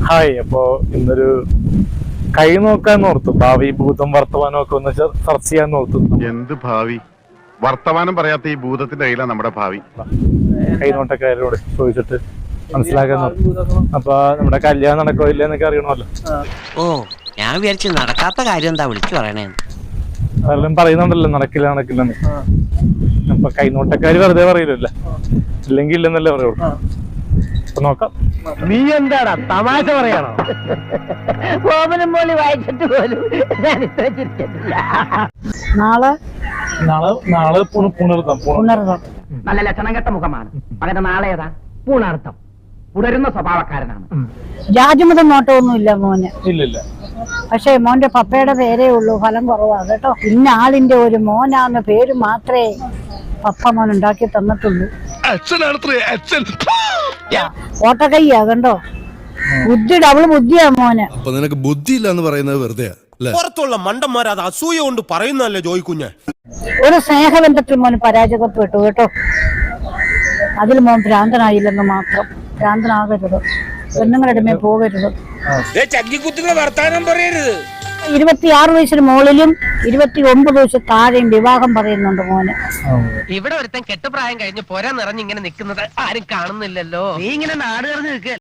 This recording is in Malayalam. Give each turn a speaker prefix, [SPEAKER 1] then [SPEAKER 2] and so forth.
[SPEAKER 1] ഹായ്. അപ്പോ ഇന്നൊരു കൈ നോക്കാൻ ഓർത്തു. ഭാവി ഭൂതം വർത്തമാനം ഒക്കെ ഒന്ന് ചർച്ച ചെയ്യാൻ ഓർത്തു.
[SPEAKER 2] എന്ത് ഭാവി? വർത്തമാനം പറയാത്ത ഈ ഭൂതത്തിന്റെ കയ്യിലാണ് നമ്മുടെ ഭാവി.
[SPEAKER 1] കൈനോട്ടക്കാരോട് ചോദിച്ചിട്ട് മനസ്സിലാക്കാൻ ഓർത്തു. അപ്പൊ നമ്മുടെ കല്യാണം നടക്കോ ഇല്ല എന്നൊക്കെ അറിയണമല്ലോ.
[SPEAKER 3] ഓ, ഞാൻ വിചാരിച്ചു നടക്കാത്ത കാര്യം എന്താ വിളിച്ചു പറയണേ.
[SPEAKER 1] അതെല്ലാം പറയുന്നുണ്ടല്ലോ നടക്കില്ലെന്ന്. അപ്പൊ കൈനോട്ടക്കാര് വെറുതെ പറയില്ലല്ലോ, ഇല്ലെങ്കിൽ ഇല്ലെന്നല്ലേ പറയുള്ളൂ. അപ്പൊ നോക്കാം.
[SPEAKER 4] നീ എന്താടാ തമാശ പറയാണോ? ഓമനം പോലെ വായിച്ചിട്ട് പോലും ഞാൻ ഇത്ര ചിരിച്ചിട്ടില്ല.
[SPEAKER 1] നാളെ പുണർത്തം.
[SPEAKER 4] നല്ല ലക്ഷണം കെട്ട മുഖമാണ്. അങ്ങനെ നാളെ ഏതാ പൂണർത്ഥം പുണരുന്ന സ്വഭാവക്കാരനാണ്.
[SPEAKER 5] ജാതിമതം നോട്ടമൊന്നുമില്ല മോന്.
[SPEAKER 1] ഇല്ലില്ല.
[SPEAKER 5] പക്ഷെ മോന്റെ പപ്പയുടെ പേരേ ഉള്ളൂ, ഫലം കുറവാ കേട്ടോ. ഇന്ന ആളിന്റെ ഒരു മോനാന്ന പേര് മാത്രമേ പപ്പ മോൻ ഉണ്ടാക്കി തന്നിട്ടുള്ളൂ. ഓട്ടക്കയ്യാ കണ്ടോ, ബുദ്ധി ഡബിൾ ബുദ്ധിയാ മോന്.
[SPEAKER 6] അപ്പൊ നിനക്ക് ബുദ്ധിയില്ല എന്ന് പറയുന്നത് വെറുതെ
[SPEAKER 7] പുറത്തുള്ള മണ്ടന്മാർ അത് അസൂയ കൊണ്ട് പറയുന്നല്ലേ ജോയിക്കുഞ്ഞ്.
[SPEAKER 5] ഒരു സ്നേഹബന്ധത്തിൽ മോന് പരാജയപ്പെട്ടു കേട്ടോ. അതിൽ മോൻ ഭ്രാന്തനായില്ലെന്ന് മാത്രം. ഭ്രാന്തനാകരുത്, പെണ്ണുങ്ങളുടെ മേൽ പോകരുത്. 26 വയസ്സിന് മുകളിലും 29 വയസ്സ് താഴെയും വിവാഹം പറയുന്നുണ്ട് മോന്.
[SPEAKER 3] ഇവിടെ ഒരുത്തൻ കെട്ടുപ്രായം കഴിഞ്ഞ് പോരാ നിറഞ്ഞിങ്ങനെ നിൽക്കുന്നത് ആരും കാണുന്നില്ലല്ലോ.
[SPEAKER 4] നീ ഇങ്ങനെ നാട് നിറഞ്ഞു നിൽക്കുക